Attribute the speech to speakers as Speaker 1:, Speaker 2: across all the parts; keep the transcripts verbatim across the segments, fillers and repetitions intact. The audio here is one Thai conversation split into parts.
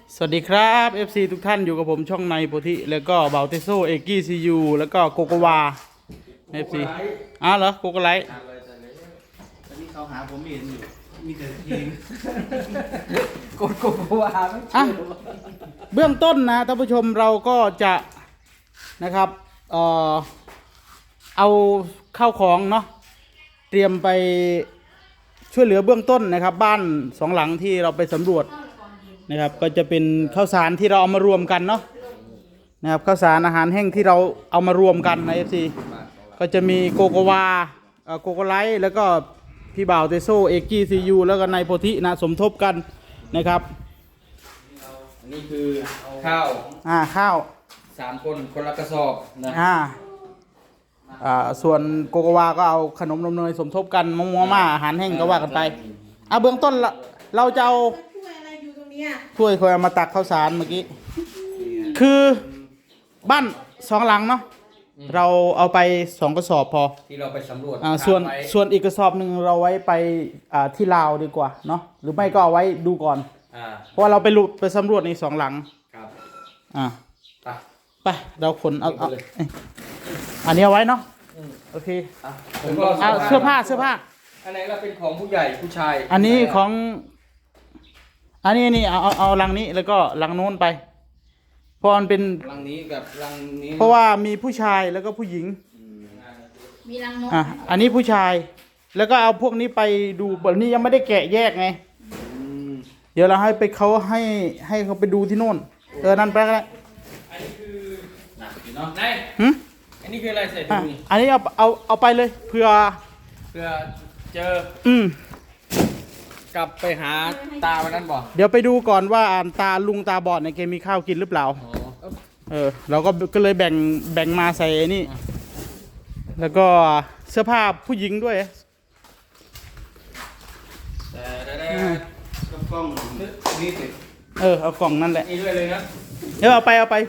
Speaker 1: สวัสดีครับ เอฟ ซี ทุกท่านอยู่กับผมช่องในโพธิแล้วก็เบาเตโซเอกี้ซียูแล้วก็โกโกวา เอฟ ซี อ้าวเหรอโกโกไลท์
Speaker 2: ตอนนี้เขาหาผมไม่เห็นอยู่มีแต่เพลง
Speaker 3: กดโกโกวาไม่เจ
Speaker 1: อ่ะ
Speaker 3: อ
Speaker 1: เบื้องต้นนะท่านผู้ชมเราก็จะนะครับเอ่อเอาเข้าของเนาะเตรียมไปช่วยเหลือเบื้องต้นนะครับ บ้านสองหลังที่เราไปสำรวจนะครับก็จะเป็นข้าวสารที่เราเอามารวมกันเนาะนะครับข้าวสารอาหารแห้งที่เราเอามารวมกันใน เอฟ ซี ก็จะมีโกโกวาเอ่อโกโกไลท์แล้วก็พี่บ่าวเตโซเอกี้ซียูแล้วก็นายโพธินะสมทบกันนะครับ
Speaker 3: อันนี้คือข้าว
Speaker 1: อ่าข้าว
Speaker 3: สามคนคนละกระสอบนะ
Speaker 1: อ่าอ่าส่วนโกโกวาก็เอาขนมนมเนยสมทบกันมะม่วงม่าอาหารแห้งก็ว่ากันไปอ่ะเบื้องต้นเราเราจะเอา
Speaker 4: ช่วยอะไรอยู่ตรงเนี้ย
Speaker 1: ถ้วยคอยเอามาตักข้าวสารเมื่อกี้คือบ้านสองหลังเนาะเราเอาไปสองกระสอบพอ
Speaker 3: ที่เราไปสำรวจ
Speaker 1: อ่าส่วน
Speaker 3: ไว้
Speaker 1: ส่วนอีกกระสอบหนึ่งเราไว้ไปอ่าที่ลาวดีกว่าเนาะหรือไม่ก็เอาไว้ดูก่อน
Speaker 3: อ่า
Speaker 1: เพราะว่าเราไปลุไปสำรวจในสองหลัง
Speaker 3: ครับ
Speaker 1: อ่า
Speaker 3: ไป
Speaker 1: ไปเราขนเอาเอา
Speaker 3: ไปเลย
Speaker 1: เอ้ยอันนี้เอาไว้เนาะ
Speaker 3: อืม
Speaker 1: โอเค
Speaker 3: อ่ะผมก็
Speaker 1: เอาเสื้อผ้าเสื้อผ้า
Speaker 3: อันไหนก็เป็นของผู้ใหญ่ผู้ชาย
Speaker 1: อันนี้ของ อันนี้นี่เอาเอาเอาลังนี้แล้วก็ลังโน้นไปเพราะมันเป็น
Speaker 3: ลังนี้กับลังนี้
Speaker 1: เพราะว่ามีผู้ชายแล้วก็ผู้หญิง
Speaker 3: อืม
Speaker 4: มีรังนก
Speaker 1: อ่ะอันนี้ผู้ชาย แล้วก็เอาพวกนี้ไปดูบนนี้ยังไม่ได้แกะแยกไง
Speaker 3: อืม
Speaker 1: เดี๋ยวเราให้ไปเขาให้ให้เขาไปดูที่โน่นเออนั่นไปก็ได้
Speaker 3: อันนี้คือหนักอยู่เนาะไหน
Speaker 1: หึ
Speaker 3: อันนี้คืออะไรใส่
Speaker 1: อ่ะ
Speaker 3: ถุงนี่
Speaker 1: อันนี้เอาเอาเอาไปเลยเผื่อ
Speaker 3: เพื่อเจอ
Speaker 1: อืม
Speaker 3: กลับไปหาตาวันนั้นบ่
Speaker 1: เดี๋ยวไปดูก่อนว่าอ่านตาลุงตาบอดเนี่ยแกมีข้าวกินหรือเปล่า
Speaker 3: อ๋อ
Speaker 1: เออเราก็ก็เลยแบ่งแบ่งมาใส่ไอ้นี่ แล้วก็เสื้อผ้าผู้หญิงด้วย
Speaker 3: แต่ได้ได้
Speaker 2: กับกล้องนี่สิ
Speaker 1: เออเอากล่องนั่นแหละ
Speaker 3: นี่ด้วยเลยนะ
Speaker 1: เดี๋ยวเอาไปเอาไป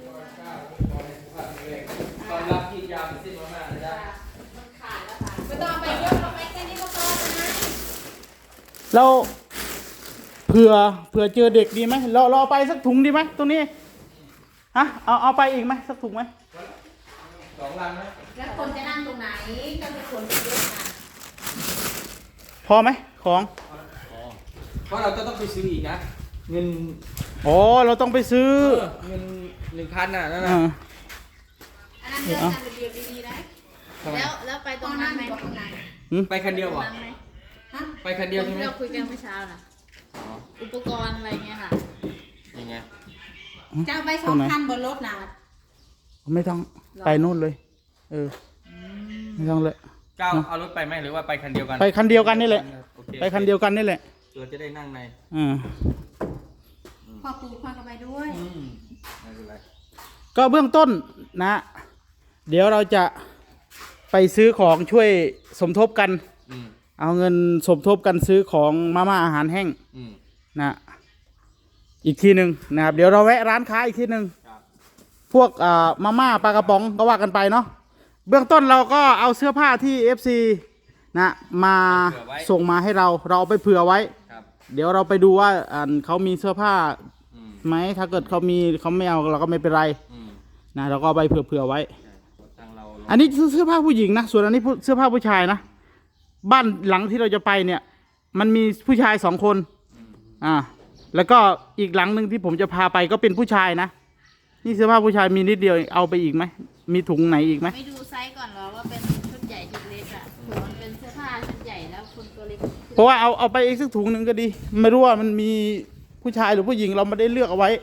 Speaker 3: ตอนรับที่ยาวสิ้นมากๆเลยนะ
Speaker 4: ไม่ต้องเอาไปเยอะเอาไปแค่นี้ก็พอนะ
Speaker 1: เราเผื่อเผื่อเจอเด็กดีไหมเราเราเอาไปสักถุงดีไหมตรงนี้ฮะเอาเอาไปอีกไหมสักถุงไหม
Speaker 3: สองลังนะ
Speaker 4: แล้วคนจะนั่งตรงไหนก็จะคนเยอะนะ
Speaker 1: พอไหมของ
Speaker 3: เพราะเราจะต้องไปซื้ออีกนะ เงิน
Speaker 1: อ๋อเราต้องไปซื้อ
Speaker 3: เงินหนึ่งพันน่ะนั่น
Speaker 1: อ่า
Speaker 3: น่ะ
Speaker 4: อันนั้นเดินทางเรียบๆดีๆนะ
Speaker 3: ทำไม
Speaker 4: แล้วแล้วไปตรงนั้นไหมตรงนั้น
Speaker 3: ไปคันเดียวเหรอ
Speaker 4: ไหมฮะ
Speaker 3: ไปคันเดียวใช่ไหม
Speaker 4: ที่เราคุยกันเมื่อเช้าน่ะ
Speaker 3: อ๋อ
Speaker 4: อุปกรณ์อะไรเงี้ยค่ะ
Speaker 3: ยังไง
Speaker 4: จะเอาไปสองคันบนรถนะ
Speaker 1: ไม่ต้องไปนู่นเลย เออไม่ต้องเลย
Speaker 3: ก้าวเอารถไปไหมหรือว่าไปคันเดียวกัน
Speaker 1: ไปคันเดียวกันนี่แหละ
Speaker 3: โอเค
Speaker 1: ไปคันเดียวกันนี่แหละ
Speaker 3: เราจะได้นั่งใน
Speaker 1: อ่า
Speaker 4: พ่อปู่พ่อก็ไปด้วย
Speaker 3: อืมไม่เป็นไร
Speaker 1: ก็เบื้องต้นนะ เดี๋ยวเราจะไปซื้อของช่วยสมทบกัน
Speaker 3: อืม
Speaker 1: เอาเงินสมทบกันซื้อของมาม่าอาหารแห้ง
Speaker 3: อืม
Speaker 1: นะอีกทีหนึ่งนะครับเดี๋ยวเราแวะร้านค้าอีกทีหนึ่ง
Speaker 3: ครับ
Speaker 1: พวกอ่ามาม่าปลากระป๋องก็ว่ากันไปเนาะเบื้องต้นเราก็เอาเสื้อผ้าที่ เอฟ ซี นะมาส่งมาให้เราเราเอาไปเผื่อไว้
Speaker 3: ครับ
Speaker 1: เดี๋ยวเราไปดูว่าอ่าเขามีเสื้อผ้า
Speaker 3: อืม
Speaker 1: ไหมถ้าเกิดเขามีเขาไม่เอาเราก็ไม่เป็นไร
Speaker 3: อืม
Speaker 1: นะเราก็เอาไปเผื่อๆไว้
Speaker 3: ใช่ทางเราลง
Speaker 1: อันนี้เสื้อผ้าผู้หญิงนะส่วนอันนี้เสื้อผ้าผู้ชายนะบ้านหลังที่เราจะไปเนี่ย มันมีผู้ชายสองคน
Speaker 3: อืม
Speaker 1: อ่าแล้วก็อีกหลังหนึ่งที่ผมจะพาไปก็เป็นผู้ชายนะนี่เสื้อผ้าผู้ชายมีนิดเดียวเอาไปอีกไหมมีถุงไหนอีกไหม
Speaker 4: ไม่ดูไซส์ก่อนเหรอว่าเป็นชุดใหญ่ชุดเล็กอ่ะเผื่อมันเป็นเสื้อผ้าชุดใหญ่แล้วคนตัวเล็ก
Speaker 1: เพราะว่าเอาเอาไปอีกสักถุงหนึ่งก็ดี ไม่รู้ว่ามันมีผู้ชายหรือผู้หญิงเราไม่ได้เลือกเอาไว้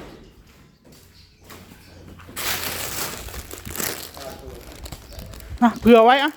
Speaker 1: อะเผื่อไว้อะ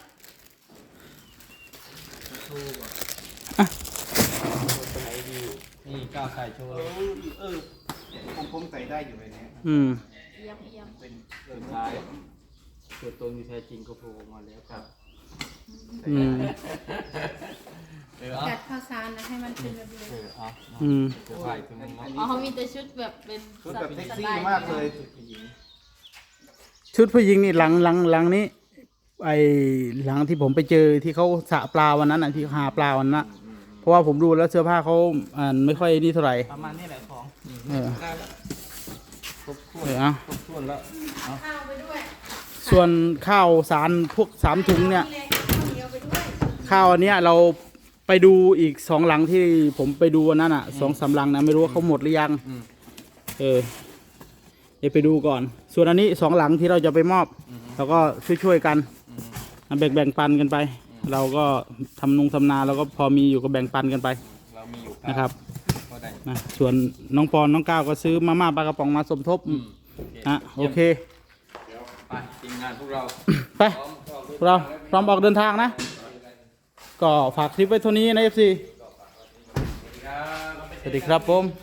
Speaker 3: นี่ก้าวใส่โชว์
Speaker 2: เออเออผมผมใส่ได้อยู่เลยเนี่ย
Speaker 1: อืม
Speaker 4: เยี่ยมเยี่ยม
Speaker 2: เป็นเออ
Speaker 3: สุดท้ายตัวตนที่แท้จริงก็โผล่ออกมาแล้วครับ
Speaker 1: อืม
Speaker 3: เออเอา
Speaker 4: จัดข้าวสารนะให้มันเป็นระเบียบ
Speaker 3: เออเอา
Speaker 1: อืม
Speaker 3: เสื้อผ้าอีกตัวหนึงเนาะ
Speaker 4: อ๋อเขามีแต่ชุดแบบเป็น
Speaker 2: ชุดแบบเซ็ก
Speaker 4: ส
Speaker 2: ซี่
Speaker 4: ไตล์
Speaker 2: มากเลยชุดผู้หญิง
Speaker 1: ชุดผู้หญิงนี่หลังหลังหลังนี้ไอหลังที่ผมไปเจอที่เขาสระปลาวันนั้นอ่ะที่หาปลาวันนั้นน่ะเพราะว่าผมดูแล้วเสื้อผ้าเขาอ่าไม่ค่อยนี่เท่าไหร่
Speaker 2: ประมาณนี้แหละของ
Speaker 3: อืม
Speaker 1: เออ
Speaker 3: ได้แล้วครบถ้วน
Speaker 1: เออเอา
Speaker 3: ครบถ้วนแล้วเอา
Speaker 4: ข้าวไปด้วย
Speaker 1: ส่วนข้าวสารพวกสามถุงเนี่ย
Speaker 4: นี่เลยข้าวเหนียวไปด้วย
Speaker 1: ข้าวอันเนี้ยเราไปดูอีกสองหลังที่ผมไปดูวันนั้นอ่ะสองสามหลังนะไม่รู้ว่าเขาหมดหรือยัง
Speaker 3: อืม
Speaker 1: เออเดี๋ยวไปดูก่อน ส่วนอันนี้สองหลังที่เราจะไปมอบ
Speaker 3: อืม
Speaker 1: เราก็ช่วยๆกัน
Speaker 3: อืม
Speaker 1: แบ่งแบ่งปันกันไป เราก็ทำนุงทำนาเราก็พอมีอยู่ก็แบ่งปันกันไป
Speaker 3: เรามีอยู่
Speaker 1: นะครับ
Speaker 3: ก็ได้
Speaker 1: นะส่วนน้องปอนน้องก้าวก็ซื้อมาม่าปลากระป๋องมาสมทบ
Speaker 3: อืม
Speaker 1: นะโอเค
Speaker 3: ไปทีมงานพวกเรา
Speaker 1: ไปเราพร้อมออกเดินทางนะ ก็ฝากคลิปไว้เท่านี้นะเอฟซีสวัสดีครับผม